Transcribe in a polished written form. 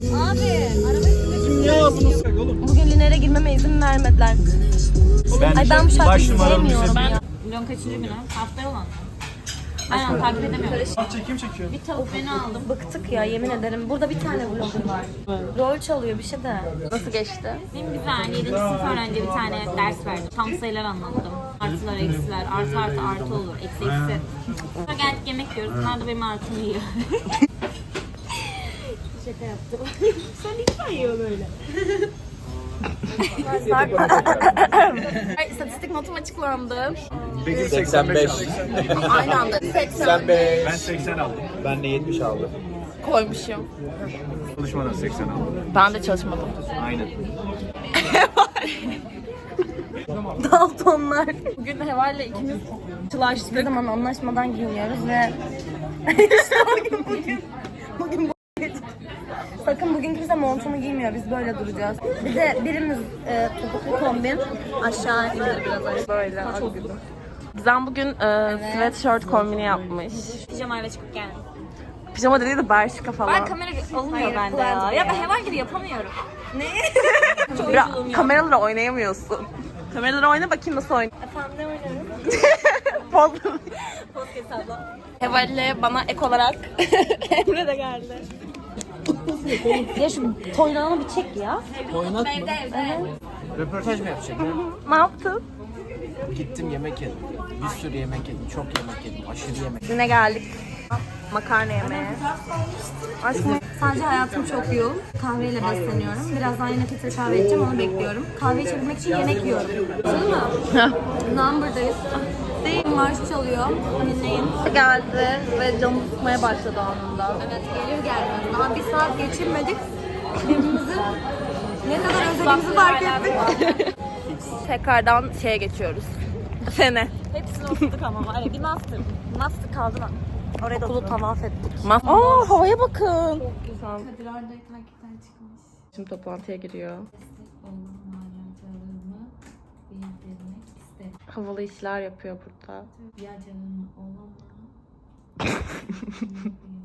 Abi arabayı Ya bunu sık oğlum. bugün Liner'e girmeme izin vermediler. Ay ben bu şarkıyı sevmiyorum ya. Vlog kaçıncı günü? Haftaya olan mı? Aynen takip edemiyorum. Kim çekiyor? Bir tavuk beni aldım. Bıktık ya yemin ederim. Burada bir tane vlogger var. Rol çalıyor bir şey de. Nasıl geçti? Benim güzel 7. sınıf öğrenci bir tane ders verdim. Tam sayılar anlattım. Artılar, eksiler, artı artı artı olur, eksi eksi. Sonra geldik yemek yiyoruz. Bunlar da benim artımı yiyor. Şaka yaptım. Sen lütfen yiyor böyle. İstatistik notum açıklandı. Bekir 85. Aynı anda 80 Ben 80 aldım. Ben de 70 aldım. koymuşum. Çalışmadan 80 aldım. Ben de çalışmadım. Aynen. Daltonlar. Bugün Heval'le ikimiz çılaştık. Ne zaman anlaşmadan giyiniyoruz ve işte bugün bu gece. Sakın bugün kimse montunu giymiyor. Biz böyle duracağız. Bir de birimiz topuklu kombin aşağı indir biraz. Böyle. Gizem bugün sweatshirt kombini yapmış. Pijamayla çıkıp geldim. Pijama dediği de Bershka falan. Ben kamera olmuyor bende ya. Ya ben heval gibi yapamıyorum. Kameralara oynayamıyorsun. Kameralara oyna bakayım nasıl oynuyor. Efendim ne oynarım? Podcast abla. Heval'le bana ek olarak Emre de geldi. Ya şu toynağını bir çek ya. Oynat mı? Evde. Röportaj mı yapacak ya? Ne yaptın? Gittim yemek yedim. Bir sürü yemek yedim. Çok yemek yedim. Aşırı yemek. Yine geldik. Makarna yemeye. Aslında Sadece hayatım çok yoğun. Kahveyle besleniyorum. Birazdan yine filtre kahve içeceğim, onu bekliyorum. Kahve içebilmek için yemek yiyorum. Değil mi? Number'dayız. Değil, marş çalıyor. Dinleyin. geldi ve canım sıkmaya başladı anında. Evet, gelir gelmez. Daha bir saat geçirmedik. Birbirimizi ne kadar özlediğimizi fark ettik. Tekrardan şeye geçiyoruz. Fene. Hepsini oturduk ama var ya, bir master. Master kaldı lan. Oraya da Okulu oturduk. tavaf ettik. Aa havaya bakın. Kadir Arday takipten çıkmış. Şimdi toplantıya giriyor. Maceralarımı bildirmek istedim. Havalı işler yapıyor burada. Ya canım olamam.